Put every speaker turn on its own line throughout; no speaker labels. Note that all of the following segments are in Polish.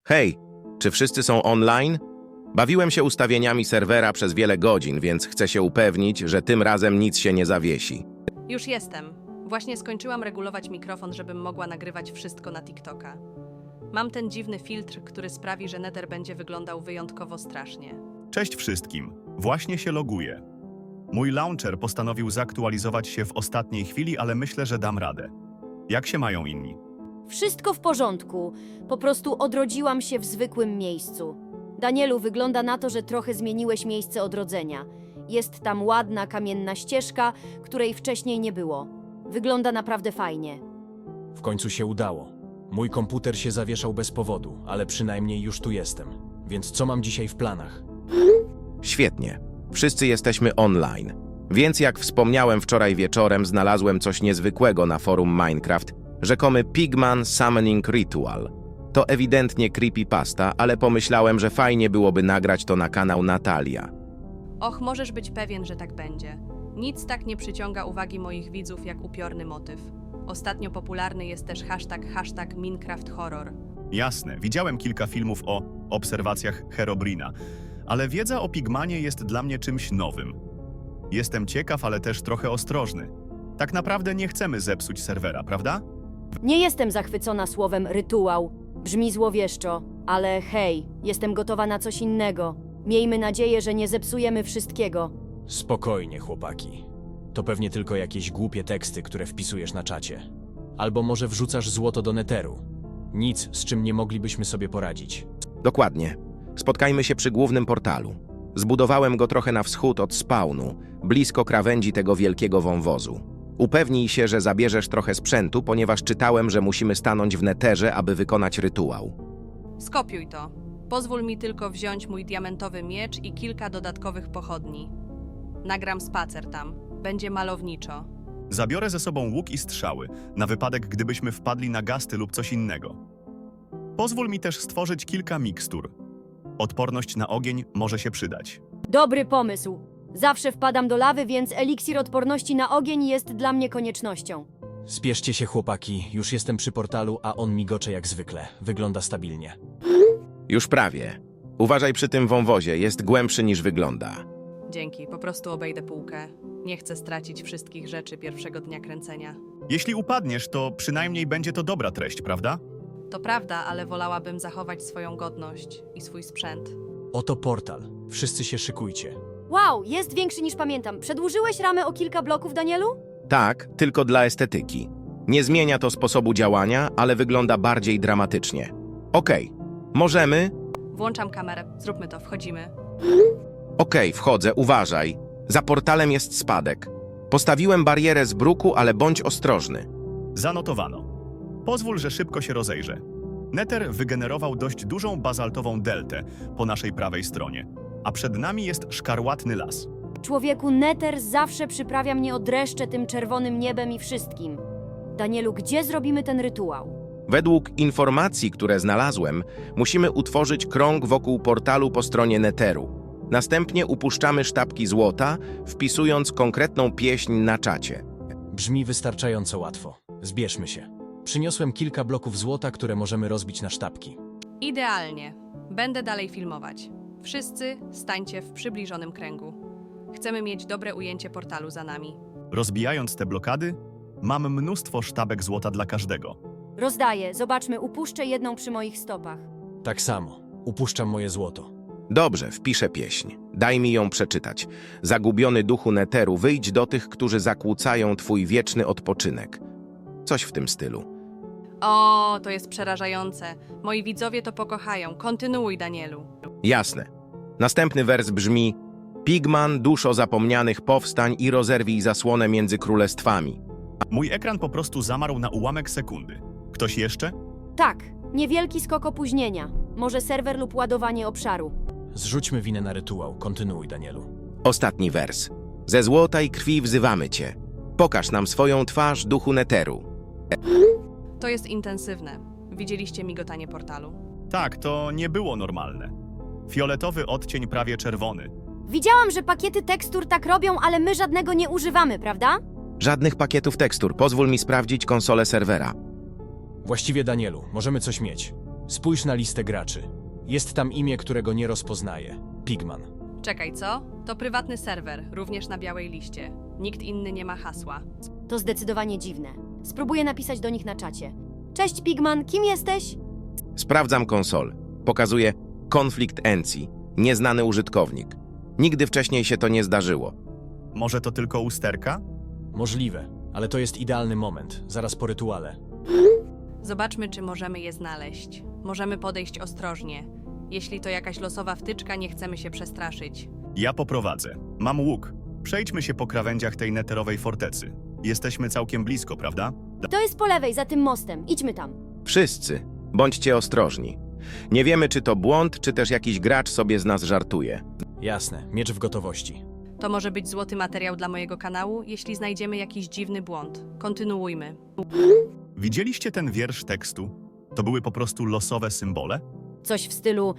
Hej, czy wszyscy są online? Bawiłem się ustawieniami serwera przez wiele godzin, więc chcę się upewnić, że tym razem nic się nie zawiesi.
Już jestem. Właśnie skończyłam regulować mikrofon, żebym mogła nagrywać wszystko na TikToka. Mam ten dziwny filtr, który sprawi, że Nether będzie wyglądał wyjątkowo strasznie.
Cześć wszystkim, właśnie się loguję. Mój launcher postanowił zaktualizować się w ostatniej chwili, ale myślę, że dam radę. Jak się mają inni?
Wszystko w porządku. Po prostu odrodziłam się w zwykłym miejscu. Danielu, wygląda na to, że trochę zmieniłeś miejsce odrodzenia. Jest tam ładna kamienna ścieżka, której wcześniej nie było. Wygląda naprawdę fajnie.
W końcu się udało. Mój komputer się zawieszał bez powodu, ale przynajmniej już tu jestem. Więc co mam dzisiaj w planach?
Świetnie. Wszyscy jesteśmy online. Więc jak wspomniałem wczoraj wieczorem, znalazłem coś niezwykłego na forum Minecraft. Rzekomy Pigman Summoning Ritual. To ewidentnie creepypasta, ale pomyślałem, że fajnie byłoby nagrać to na kanał Natalia.
Och, możesz być pewien, że tak będzie. Nic tak nie przyciąga uwagi moich widzów jak upiorny motyw. Ostatnio popularny jest też hashtag Minecraft Horror.
Jasne, widziałem kilka filmów o obserwacjach Herobrina, ale wiedza o Pigmanie jest dla mnie czymś nowym. Jestem ciekaw, ale też trochę ostrożny. Tak naprawdę nie chcemy zepsuć serwera, prawda?
Nie jestem zachwycona słowem rytuał. Brzmi złowieszczo, ale hej, jestem gotowa na coś innego. Miejmy nadzieję, że nie zepsujemy wszystkiego.
Spokojnie, chłopaki. To pewnie tylko jakieś głupie teksty, które wpisujesz na czacie. Albo może wrzucasz złoto do neteru. Nic, z czym nie moglibyśmy sobie poradzić.
Dokładnie. Spotkajmy się przy głównym portalu. Zbudowałem go trochę na wschód od spawnu, blisko krawędzi tego wielkiego wąwozu. Upewnij się, że zabierzesz trochę sprzętu, ponieważ czytałem, że musimy stanąć w neterze, aby wykonać rytuał.
Skopiuj to. Pozwól mi tylko wziąć mój diamentowy miecz i kilka dodatkowych pochodni. Nagram spacer tam. Będzie malowniczo.
Zabiorę ze sobą łuk i strzały, na wypadek gdybyśmy wpadli na gasty lub coś innego. Pozwól mi też stworzyć kilka mikstur. Odporność na ogień może się przydać.
Dobry pomysł. Zawsze wpadam do lawy, więc eliksir odporności na ogień jest dla mnie koniecznością.
Spieszcie się, chłopaki. Już jestem przy portalu, a on migocze jak zwykle. Wygląda stabilnie.
Już prawie. Uważaj przy tym wąwozie, jest głębszy niż wygląda.
Dzięki, po prostu obejdę półkę. Nie chcę stracić wszystkich rzeczy pierwszego dnia kręcenia.
Jeśli upadniesz, to przynajmniej będzie to dobra treść, prawda?
To prawda, ale wolałabym zachować swoją godność i swój sprzęt.
Oto portal. Wszyscy się szykujcie.
Wow, jest większy niż pamiętam. Przedłużyłeś ramę o kilka bloków, Danielu?
Tak, tylko dla estetyki. Nie zmienia to sposobu działania, ale wygląda bardziej dramatycznie. Okej, możemy?
Włączam kamerę, zróbmy to, wchodzimy.
Okej, wchodzę, uważaj. Za portalem jest spadek. Postawiłem barierę z bruku, ale bądź ostrożny.
Zanotowano. Pozwól, że szybko się rozejrzę. Nether wygenerował dość dużą bazaltową deltę po naszej prawej stronie, a przed nami jest szkarłatny las.
Człowieku, Nether zawsze przyprawia mnie o dreszcze tym czerwonym niebem i wszystkim. Danielu, gdzie zrobimy ten rytuał?
Według informacji, które znalazłem, musimy utworzyć krąg wokół portalu po stronie neteru. Następnie upuszczamy sztabki złota, wpisując konkretną pieśń na czacie.
Brzmi wystarczająco łatwo. Zbierzmy się. Przyniosłem kilka bloków złota, które możemy rozbić na sztabki.
Idealnie. Będę dalej filmować. Wszyscy stańcie w przybliżonym kręgu. Chcemy mieć dobre ujęcie portalu za nami.
Rozbijając te blokady, mam mnóstwo sztabek złota dla każdego.
Rozdaję, zobaczmy, upuszczę jedną przy moich stopach.
Tak samo. Upuszczam moje złoto.
Dobrze, wpiszę pieśń. Daj mi ją przeczytać. Zagubiony duchu neteru, wyjdź do tych, którzy zakłócają twój wieczny odpoczynek. Coś w tym stylu.
O, to jest przerażające. Moi widzowie to pokochają. Kontynuuj, Danielu.
Jasne. Następny wers brzmi: Pigman, duszo zapomnianych, powstań i rozerwij zasłonę między królestwami.
Mój ekran po prostu zamarł na ułamek sekundy. Ktoś jeszcze?
Tak, niewielki skok opóźnienia. Może serwer lub ładowanie obszaru.
Zrzućmy winę na rytuał. Kontynuuj, Danielu.
Ostatni wers. Ze złota i krwi wzywamy cię. Pokaż nam swoją twarz, duchu neteru.
To jest intensywne. Widzieliście migotanie portalu?
Tak, to nie było normalne. Fioletowy odcień prawie czerwony.
Widziałam, że pakiety tekstur tak robią, ale my żadnego nie używamy, prawda?
Żadnych pakietów tekstur. Pozwól mi sprawdzić konsolę serwera.
Właściwie, Danielu, możemy coś mieć. Spójrz na listę graczy. Jest tam imię, którego nie rozpoznaję. Pigman.
Czekaj, co? To prywatny serwer, również na białej liście. Nikt inny nie ma hasła.
To zdecydowanie dziwne. Spróbuję napisać do nich na czacie. Cześć Pigman, kim jesteś?
Sprawdzam konsolę. Pokazuje konflikt Encji, nieznany użytkownik. Nigdy wcześniej się to nie zdarzyło.
Może to tylko usterka?
Możliwe, ale to jest idealny moment, zaraz po rytuale.
Zobaczmy, czy możemy je znaleźć. Możemy podejść ostrożnie. Jeśli to jakaś losowa wtyczka, nie chcemy się przestraszyć.
Ja poprowadzę. Mam łuk. Przejdźmy się po krawędziach tej neterowej fortecy. Jesteśmy całkiem blisko, prawda?
To jest po lewej, za tym mostem. Idźmy tam.
Wszyscy, bądźcie ostrożni. Nie wiemy, czy to błąd, czy też jakiś gracz sobie z nas żartuje.
Jasne, miecz w gotowości.
To może być złoty materiał dla mojego kanału, jeśli znajdziemy jakiś dziwny błąd. Kontynuujmy.
Widzieliście ten wiersz tekstu? To były po prostu losowe symbole?
Coś w stylu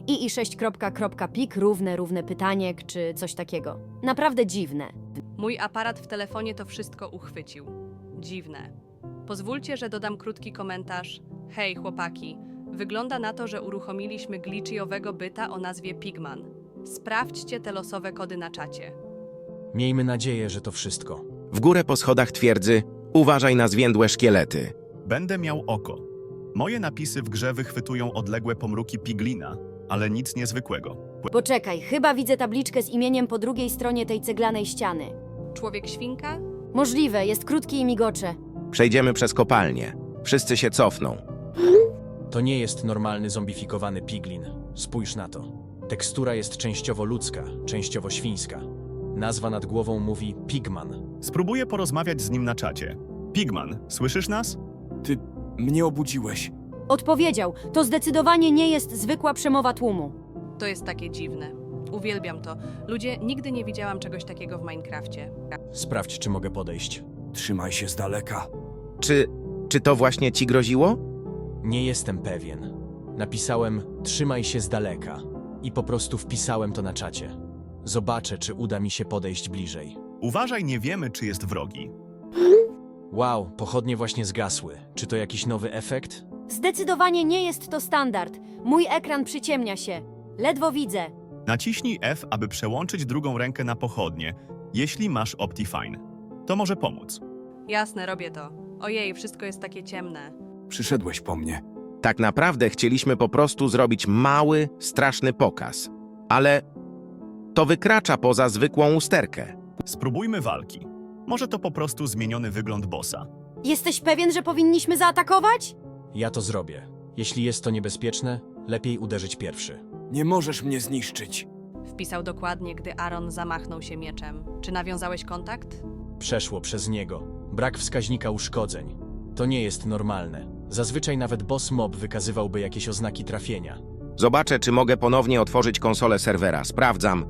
ii6. Równe pytaniek, czy coś takiego. Naprawdę dziwne.
Mój aparat w telefonie to wszystko uchwycił. Dziwne. Pozwólcie, że dodam krótki komentarz. Hej, chłopaki. Wygląda na to, że uruchomiliśmy glitchowego byta o nazwie Pigman. Sprawdźcie te losowe kody na czacie.
Miejmy nadzieję, że to wszystko.
W górę po schodach twierdzy, uważaj na zwiędłe szkielety.
Będę miał oko. Moje napisy w grze wychwytują odległe pomruki piglina, ale nic niezwykłego.
Poczekaj, chyba widzę tabliczkę z imieniem po drugiej stronie tej ceglanej ściany.
Człowiek-świnka?
Możliwe, jest krótki i migocze.
Przejdziemy przez kopalnię. Wszyscy się cofną.
To nie jest normalny zombifikowany piglin. Spójrz na to. Tekstura jest częściowo ludzka, częściowo świńska. Nazwa nad głową mówi Pigman.
Spróbuję porozmawiać z nim na czacie. Pigman, słyszysz nas?
Ty mnie obudziłeś.
Odpowiedział, to zdecydowanie nie jest zwykła przemowa tłumu.
To jest takie dziwne. Uwielbiam to. Ludzie, nigdy nie widziałam czegoś takiego w Minecrafcie.
Sprawdź, czy mogę podejść.
Trzymaj się z daleka.
Czy to właśnie ci groziło?
Nie jestem pewien. Napisałem trzymaj się z daleka i po prostu wpisałem to na czacie. Zobaczę, czy uda mi się podejść bliżej.
Uważaj, nie wiemy, czy jest wrogi.
Wow, pochodnie właśnie zgasły. Czy to jakiś nowy efekt?
Zdecydowanie nie jest to standard. Mój ekran przyciemnia się. Ledwo widzę.
Naciśnij F, aby przełączyć drugą rękę na pochodnie, jeśli masz Optifine. To może pomóc.
Jasne, robię to. Ojej, wszystko jest takie ciemne.
Przyszedłeś po mnie.
Tak naprawdę chcieliśmy po prostu zrobić mały, straszny pokaz. Ale to wykracza poza zwykłą usterkę.
Spróbujmy walki. Może to po prostu zmieniony wygląd bossa.
Jesteś pewien, że powinniśmy zaatakować?
Ja to zrobię. Jeśli jest to niebezpieczne, lepiej uderzyć pierwszy.
Nie możesz mnie zniszczyć.
Wpisał dokładnie, gdy Aaron zamachnął się mieczem. Czy nawiązałeś kontakt?
Przeszło przez niego. Brak wskaźnika uszkodzeń. To nie jest normalne. Zazwyczaj nawet boss mob wykazywałby jakieś oznaki trafienia.
Zobaczę, czy mogę ponownie otworzyć konsolę serwera. Sprawdzam.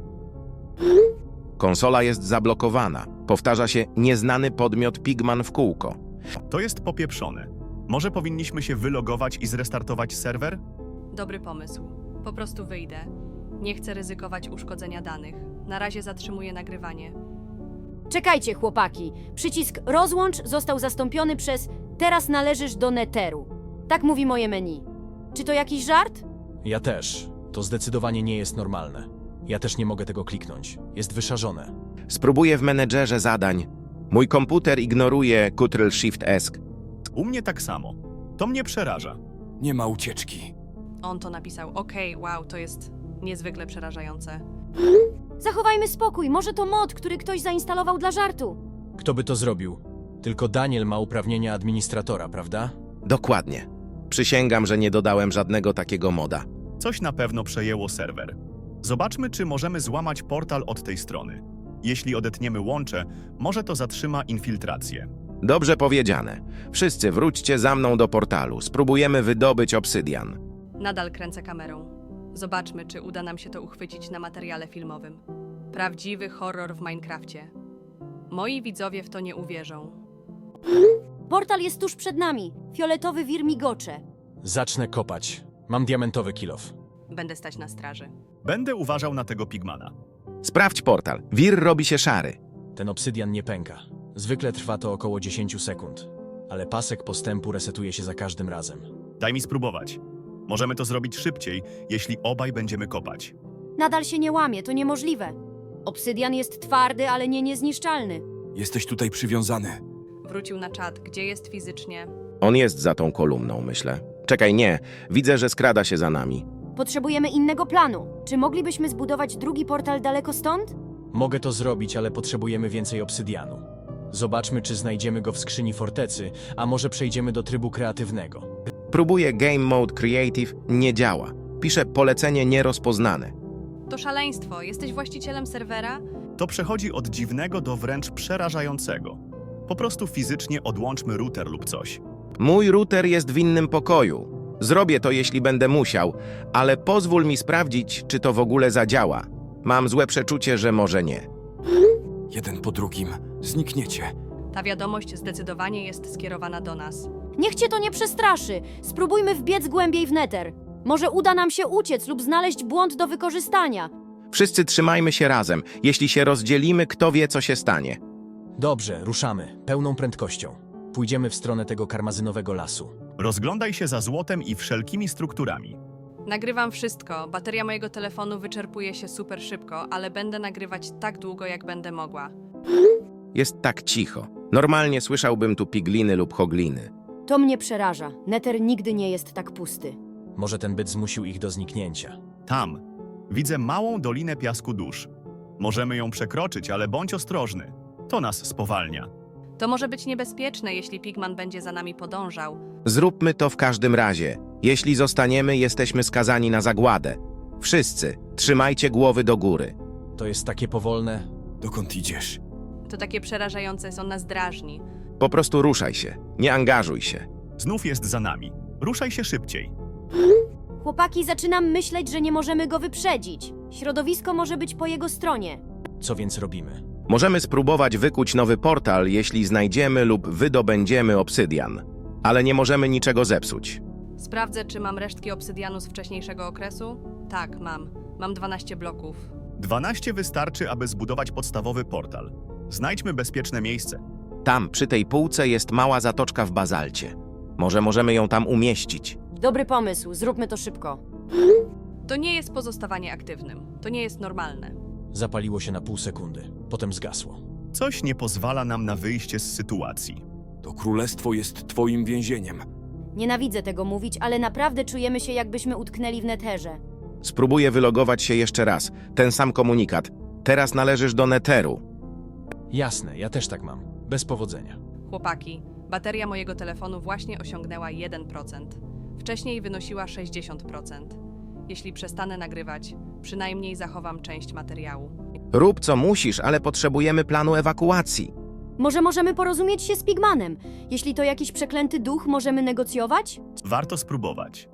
Konsola jest zablokowana. Powtarza się nieznany podmiot Pigman w kółko.
To jest popieprzone. Może powinniśmy się wylogować i zrestartować serwer?
Dobry pomysł. Po prostu wyjdę. Nie chcę ryzykować uszkodzenia danych. Na razie zatrzymuję nagrywanie.
Czekajcie, chłopaki. Przycisk rozłącz został zastąpiony przez teraz należysz do Netheru. Tak mówi moje menu. Czy to jakiś żart?
Ja też. To zdecydowanie nie jest normalne. Ja też nie mogę tego kliknąć. Jest wyszarzone.
Spróbuję w menedżerze zadań. Mój komputer ignoruje Ctrl-Shift-S.
U mnie tak samo. To mnie przeraża.
Nie ma ucieczki.
On to napisał. Okej, wow, to jest niezwykle przerażające.
Zachowajmy spokój. Może to mod, który ktoś zainstalował dla żartu.
Kto by to zrobił? Tylko Daniel ma uprawnienia administratora, prawda?
Dokładnie. Przysięgam, że nie dodałem żadnego takiego moda.
Coś na pewno przejęło serwer. Zobaczmy, czy możemy złamać portal od tej strony. Jeśli odetniemy łącze, może to zatrzyma infiltrację.
Dobrze powiedziane. Wszyscy wróćcie za mną do portalu. Spróbujemy wydobyć obsydian.
Nadal kręcę kamerą. Zobaczmy, czy uda nam się to uchwycić na materiale filmowym. Prawdziwy horror w Minecrafcie. Moi widzowie w to nie uwierzą.
Portal jest tuż przed nami. Fioletowy wir migocze.
Zacznę kopać. Mam diamentowy kilof.
Będę stać na straży.
Będę uważał na tego pigmana.
Sprawdź portal. Wir robi się szary.
Ten obsydian nie pęka. Zwykle trwa to około 10 sekund. Ale pasek postępu resetuje się za każdym razem.
Daj mi spróbować. Możemy to zrobić szybciej, jeśli obaj będziemy kopać.
Nadal się nie łamie, to niemożliwe. Obsydian jest twardy, ale nie niezniszczalny.
Jesteś tutaj przywiązany.
Wrócił na czat, gdzie jest fizycznie.
On jest za tą kolumną, myślę. Czekaj, nie. Widzę, że skrada się za nami.
Potrzebujemy innego planu. Czy moglibyśmy zbudować drugi portal daleko stąd?
Mogę to zrobić, ale potrzebujemy więcej obsydianu. Zobaczmy, czy znajdziemy go w skrzyni fortecy, a może przejdziemy do trybu kreatywnego.
Próbuję Game Mode Creative, nie działa. Pisze polecenie nierozpoznane.
To szaleństwo. Jesteś właścicielem serwera?
To przechodzi od dziwnego do wręcz przerażającego. Po prostu fizycznie odłączmy router lub coś.
Mój router jest w innym pokoju. Zrobię to, jeśli będę musiał, ale pozwól mi sprawdzić, czy to w ogóle zadziała. Mam złe przeczucie, że może nie.
Jeden po drugim. Znikniecie.
Ta wiadomość zdecydowanie jest skierowana do nas.
Niech cię to nie przestraszy. Spróbujmy wbiec głębiej w neter. Może uda nam się uciec lub znaleźć błąd do wykorzystania.
Wszyscy trzymajmy się razem. Jeśli się rozdzielimy, kto wie, co się stanie.
Dobrze, ruszamy, pełną prędkością. Pójdziemy w stronę tego karmazynowego lasu.
Rozglądaj się za złotem i wszelkimi strukturami.
Nagrywam wszystko. Bateria mojego telefonu wyczerpuje się super szybko, ale będę nagrywać tak długo, jak będę mogła.
Jest tak cicho. Normalnie słyszałbym tu pigliny lub hogliny.
To mnie przeraża. Neter nigdy nie jest tak pusty.
Może ten byt zmusił ich do zniknięcia.
Tam. Widzę małą dolinę piasku dusz. Możemy ją przekroczyć, ale bądź ostrożny. To nas spowalnia.
To może być niebezpieczne, jeśli Pigman będzie za nami podążał.
Zróbmy to w każdym razie. Jeśli zostaniemy, jesteśmy skazani na zagładę. Wszyscy, trzymajcie głowy do góry.
To jest takie powolne.
Dokąd idziesz?
To takie przerażające, on nas drażni.
Po prostu ruszaj się. Nie angażuj się.
Znów jest za nami. Ruszaj się szybciej.
Chłopaki, zaczynam myśleć, że nie możemy go wyprzedzić. Środowisko może być po jego stronie.
Co więc robimy?
Możemy spróbować wykuć nowy portal, jeśli znajdziemy lub wydobędziemy obsydian. Ale nie możemy niczego zepsuć.
Sprawdzę, czy mam resztki obsydianu z wcześniejszego okresu? Tak, mam. Mam 12 bloków.
12 wystarczy, aby zbudować podstawowy portal. Znajdźmy bezpieczne miejsce.
Tam, przy tej półce, jest mała zatoczka w bazalcie. Może możemy ją tam umieścić.
Dobry pomysł, zróbmy to szybko.
To nie jest pozostawanie aktywnym. To nie jest normalne.
Zapaliło się na pół sekundy, potem zgasło.
Coś nie pozwala nam na wyjście z sytuacji.
To królestwo jest twoim więzieniem.
Nienawidzę tego mówić, ale naprawdę czujemy się, jakbyśmy utknęli w neterze.
Spróbuję wylogować się jeszcze raz. Ten sam komunikat. Teraz należysz do Netheru.
Jasne, ja też tak mam. Bez powodzenia.
Chłopaki, bateria mojego telefonu właśnie osiągnęła 1%. Wcześniej wynosiła 60%. Jeśli przestanę nagrywać, przynajmniej zachowam część materiału.
Rób co musisz, ale potrzebujemy planu ewakuacji.
Może możemy porozumieć się z Pigmanem? Jeśli to jakiś przeklęty duch, możemy negocjować?
Warto spróbować.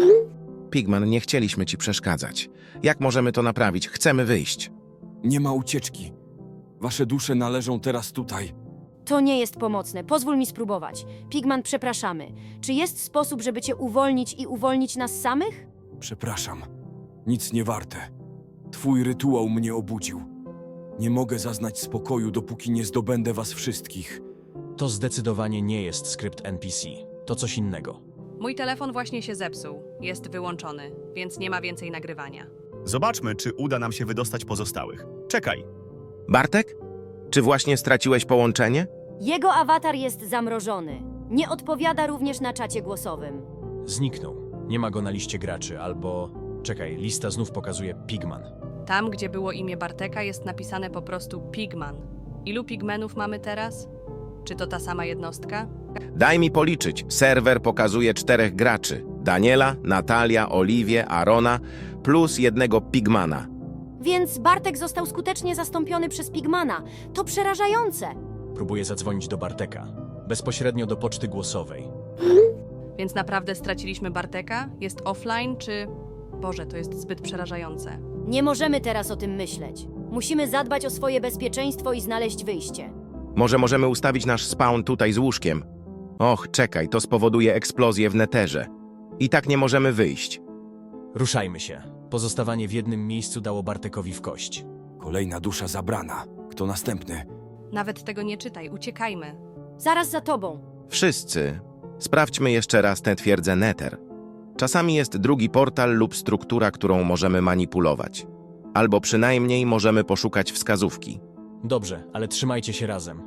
Pigman, nie chcieliśmy ci przeszkadzać. Jak możemy to naprawić? Chcemy wyjść.
Nie ma ucieczki. Wasze dusze należą teraz tutaj.
To nie jest pomocne. Pozwól mi spróbować. Pigman, przepraszamy. Czy jest sposób, żeby cię uwolnić i uwolnić nas samych?
Przepraszam. Nic nie warte. Twój rytuał mnie obudził. Nie mogę zaznać spokoju, dopóki nie zdobędę was wszystkich.
To zdecydowanie nie jest skrypt NPC. To coś innego.
Mój telefon właśnie się zepsuł. Jest wyłączony, więc nie ma więcej nagrywania.
Zobaczmy, czy uda nam się wydostać pozostałych. Czekaj.
Bartek? Czy właśnie straciłeś połączenie?
Jego awatar jest zamrożony. Nie odpowiada również na czacie głosowym.
Zniknął. Nie ma go na liście graczy, albo... Czekaj, lista znów pokazuje Pigman.
Tam, gdzie było imię Barteka, jest napisane po prostu Pigman. Ilu pigmenów mamy teraz? Czy to ta sama jednostka?
Daj mi policzyć. Serwer pokazuje 4 graczy. Daniela, Natalia, Oliwię, Arona, plus jednego Pigmana.
Więc Bartek został skutecznie zastąpiony przez Pigmana. To przerażające.
Próbuję zadzwonić do Barteka. Bezpośrednio do poczty głosowej.
Więc naprawdę straciliśmy Barteka? Jest offline, czy... Boże, to jest zbyt przerażające.
Nie możemy teraz o tym myśleć. Musimy zadbać o swoje bezpieczeństwo i znaleźć wyjście.
Może możemy ustawić nasz spawn tutaj z łóżkiem? Och, czekaj, to spowoduje eksplozję w neterze. I tak nie możemy wyjść.
Ruszajmy się. Pozostawanie w jednym miejscu dało Bartekowi w kość.
Kolejna dusza zabrana. Kto następny?
Nawet tego nie czytaj, uciekajmy.
Zaraz za tobą.
Wszyscy, sprawdźmy jeszcze raz tę twierdzę Nether. Czasami jest drugi portal lub struktura, którą możemy manipulować. Albo przynajmniej możemy poszukać wskazówki.
Dobrze, ale trzymajcie się razem.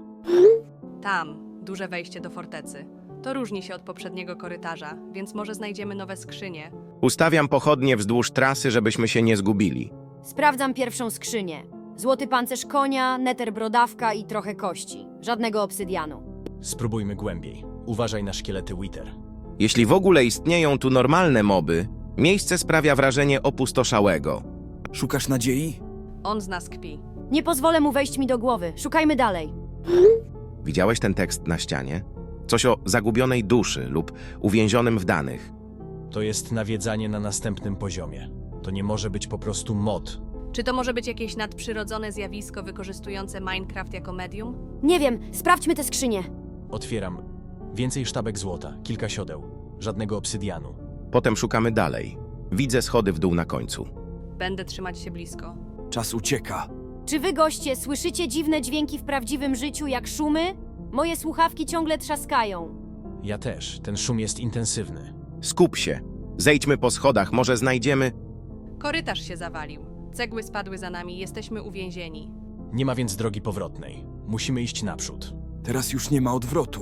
Tam, duże wejście do fortecy. To różni się od poprzedniego korytarza, więc może znajdziemy nowe skrzynie.
Ustawiam pochodnie wzdłuż trasy, żebyśmy się nie zgubili.
Sprawdzam pierwszą skrzynię. Złoty pancerz konia, neter brodawka i trochę kości. Żadnego obsydianu.
Spróbujmy głębiej. Uważaj na szkielety Wither.
Jeśli w ogóle istnieją tu normalne moby, miejsce sprawia wrażenie opustoszałego.
Szukasz nadziei?
On z nas kpi.
Nie pozwolę mu wejść mi do głowy. Szukajmy dalej.
Widziałeś ten tekst na ścianie? Coś o zagubionej duszy lub uwięzionym w danych.
To jest nawiedzanie na następnym poziomie. To nie może być po prostu mod.
Czy to może być jakieś nadprzyrodzone zjawisko wykorzystujące Minecraft jako medium?
Nie wiem, sprawdźmy tę skrzynię.
Otwieram. Więcej sztabek złota, kilka siodeł. Żadnego obsydianu.
Potem szukamy dalej. Widzę schody w dół na końcu.
Będę trzymać się blisko.
Czas ucieka.
Czy wy, goście, słyszycie dziwne dźwięki w prawdziwym życiu, jak szumy? Moje słuchawki ciągle trzaskają.
Ja też. Ten szum jest intensywny.
Skup się. Zejdźmy po schodach, może znajdziemy...
Korytarz się zawalił. Cegły spadły za nami, jesteśmy uwięzieni.
Nie ma więc drogi powrotnej. Musimy iść naprzód.
Teraz już nie ma odwrotu.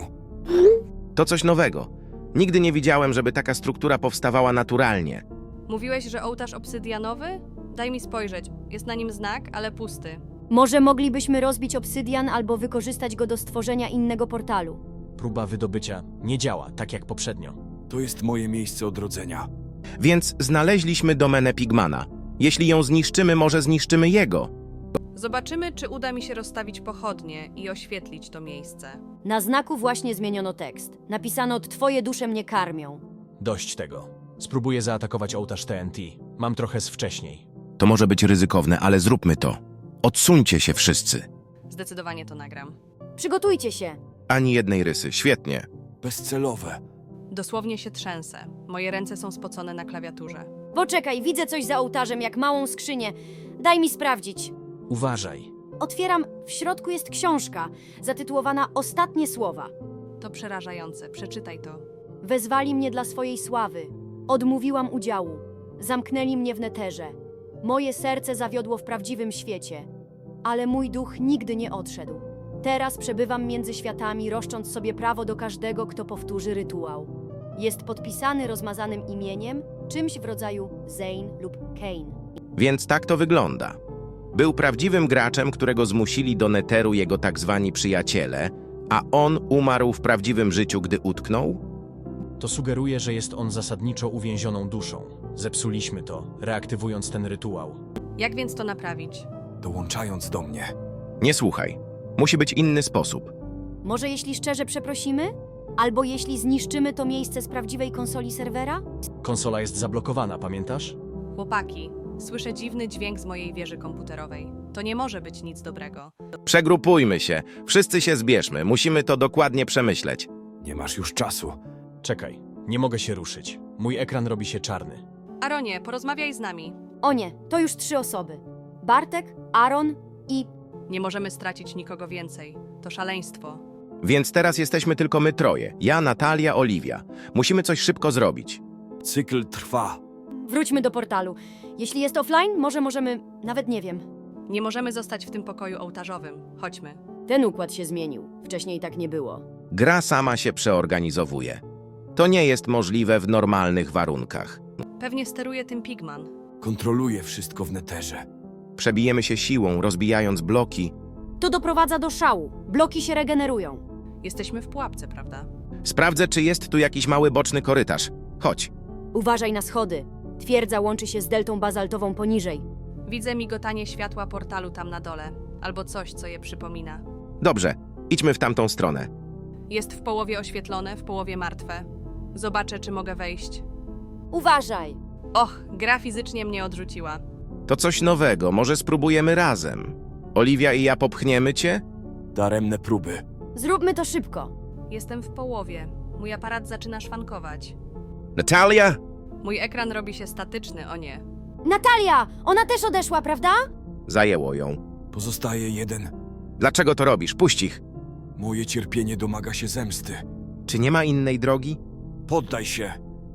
To coś nowego. Nigdy nie widziałem, żeby taka struktura powstawała naturalnie.
Mówiłeś, że ołtarz obsydianowy? Daj mi spojrzeć. Jest na nim znak, ale pusty.
Może moglibyśmy rozbić obsydian albo wykorzystać go do stworzenia innego portalu.
Próba wydobycia nie działa, tak jak poprzednio.
To jest moje miejsce odrodzenia.
Więc znaleźliśmy domenę Pigmana. Jeśli ją zniszczymy, może zniszczymy jego.
Zobaczymy, czy uda mi się rozstawić pochodnie i oświetlić to miejsce.
Na znaku właśnie zmieniono tekst. Napisano: Twoje dusze mnie karmią.
Dość tego. Spróbuję zaatakować ołtarz TNT. Mam trochę z wcześniej.
To może być ryzykowne, ale zróbmy to. Odsuńcie się wszyscy.
Zdecydowanie to nagram.
Przygotujcie się.
Ani jednej rysy. Świetnie.
Bezcelowe.
Dosłownie się trzęsę. Moje ręce są spocone na klawiaturze.
Poczekaj, widzę coś za ołtarzem, jak małą skrzynię. Daj mi sprawdzić.
Uważaj.
Otwieram, w środku jest książka, zatytułowana Ostatnie słowa.
To przerażające. Przeczytaj to.
Wezwali mnie dla swojej sławy. Odmówiłam udziału. Zamknęli mnie w neterze. Moje serce zawiodło w prawdziwym świecie. Ale mój duch nigdy nie odszedł. Teraz przebywam między światami, roszcząc sobie prawo do każdego, kto powtórzy rytuał. Jest podpisany rozmazanym imieniem, czymś w rodzaju Zane lub Kane.
Więc tak to wygląda. Był prawdziwym graczem, którego zmusili do neteru jego tak zwani przyjaciele, a on umarł w prawdziwym życiu, gdy utknął?
To sugeruje, że jest on zasadniczo uwięzioną duszą. Zepsuliśmy to, reaktywując ten rytuał.
Jak więc to naprawić?
Dołączając do mnie.
Nie słuchaj. Musi być inny sposób.
Może jeśli szczerze przeprosimy? Albo jeśli zniszczymy to miejsce z prawdziwej konsoli serwera?
Konsola jest zablokowana, pamiętasz?
Chłopaki, słyszę dziwny dźwięk z mojej wieży komputerowej. To nie może być nic dobrego.
Przegrupujmy się. Wszyscy się zbierzmy. Musimy to dokładnie przemyśleć.
Nie masz już czasu.
Czekaj, nie mogę się ruszyć. Mój ekran robi się czarny.
Aronie, porozmawiaj z nami.
O nie, to już 3 osoby. Bartek, Aaron i...
Nie możemy stracić nikogo więcej. To szaleństwo.
Więc teraz jesteśmy tylko my troje. Ja, Natalia, Oliwia. Musimy coś szybko zrobić.
Cykl trwa.
Wróćmy do portalu. Jeśli jest offline, może możemy... Nawet nie wiem.
Nie możemy zostać w tym pokoju ołtarzowym. Chodźmy.
Ten układ się zmienił. Wcześniej tak nie było.
Gra sama się przeorganizowuje. To nie jest możliwe w normalnych warunkach.
Pewnie steruje tym Pigman.
Kontroluję wszystko w neterze.
Przebijemy się siłą, rozbijając bloki.
To doprowadza do szału. Bloki się regenerują.
Jesteśmy w pułapce, prawda?
Sprawdzę, czy jest tu jakiś mały boczny korytarz. Chodź.
Uważaj na schody. Twierdza łączy się z deltą bazaltową poniżej.
Widzę migotanie światła portalu tam na dole. Albo coś, co je przypomina.
Dobrze, idźmy w tamtą stronę.
Jest w połowie oświetlone, w połowie martwe. Zobaczę, czy mogę wejść.
Uważaj!
Och, gra fizycznie mnie odrzuciła.
To coś nowego, może spróbujemy razem. Oliwia i ja popchniemy cię?
Daremne próby.
Zróbmy to szybko.
Jestem w połowie. Mój aparat zaczyna szwankować.
Natalia!
Mój ekran robi się statyczny, o nie.
Natalia! Ona też odeszła, prawda?
Zajęło ją.
Pozostaje jeden.
Dlaczego to robisz? Puść ich.
Moje cierpienie domaga się zemsty.
Czy nie ma innej drogi?
Poddaj się.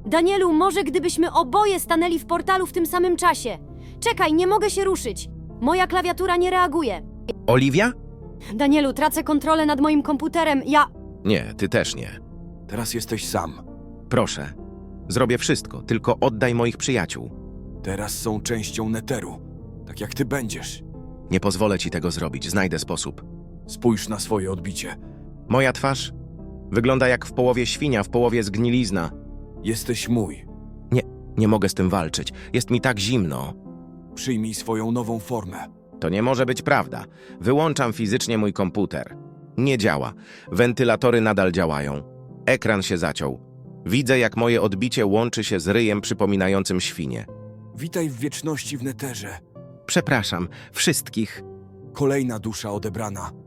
Danielu, może gdybyśmy oboje stanęli w portalu w tym samym czasie. Czekaj, nie mogę się ruszyć. Moja klawiatura nie reaguje.
Oliwia?
Danielu, tracę kontrolę nad moim komputerem.
Nie, ty też nie.
Teraz jesteś sam.
Proszę. Zrobię wszystko, tylko oddaj moich przyjaciół.
Teraz są częścią Neteru. Tak jak ty będziesz.
Nie pozwolę ci tego zrobić, znajdę sposób.
Spójrz na swoje odbicie.
Moja twarz wygląda jak w połowie świnia, w połowie zgnilizna.
Jesteś mój.
Nie mogę z tym walczyć. Jest mi tak zimno.
Przyjmij swoją nową formę.
To nie może być prawda. Wyłączam fizycznie mój komputer. Nie działa. Wentylatory nadal działają. Ekran się zaciął. Widzę, jak moje odbicie łączy się z ryjem przypominającym świnię.
Witaj w wieczności w Neterze.
Przepraszam wszystkich.
Kolejna dusza odebrana.